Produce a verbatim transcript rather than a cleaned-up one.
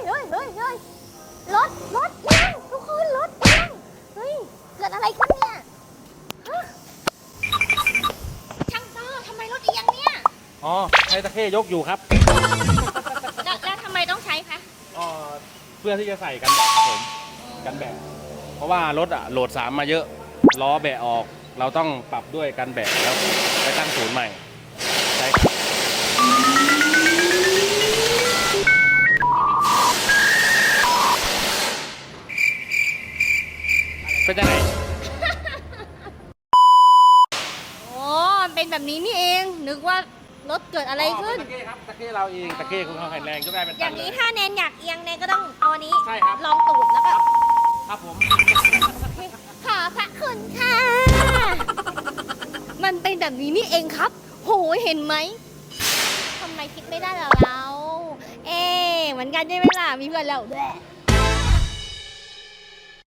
เฮ้ยเฮ้ยเฮ้ยรถรถเอียงทุกคนรถเอียงเฮ้ยเกิดอะไรขึ้นเนี่ยฮะช่างต้อทำไมรถเอียงเนี่ยอ๋อใช้ตะเข้ยกอยู่ครับแล้วแล้วทำไมต้องใช้คะอ๋อเพื่อที่จะใส่กันแบะครับผมกันแบะเพราะว่ารถอะโหลดสามมาเยอะล้อแบะออก เราต้องปรับด้วยกันแบะแล้วไปตั้งศูนย์ใหม่ใช่ครับเป็นยังไงโอ้เป็นแบบนี้นี่เอง นึกว่ารถเกิดอะไรขึ้นตะเข้ครับตะเข้เราเองตะเข้ของเขาแข็งแรงยกได้เป็นอตัย่าน งเลนี้ยถ้าแนนอยากเอียงแนนก็ต้องเอาอันนี้ใช่ครับลองตูดแล้วก็ครับผมขอพระคุณค่ะ มันเป็นแบบนี้นี่เองครับ โหเห็นไหมทำไมคิดไม่ได้ล่ะเรา เอ๊ะเหมือนกันใช่ไหมล่ะ มีเพื่อนเราด้วย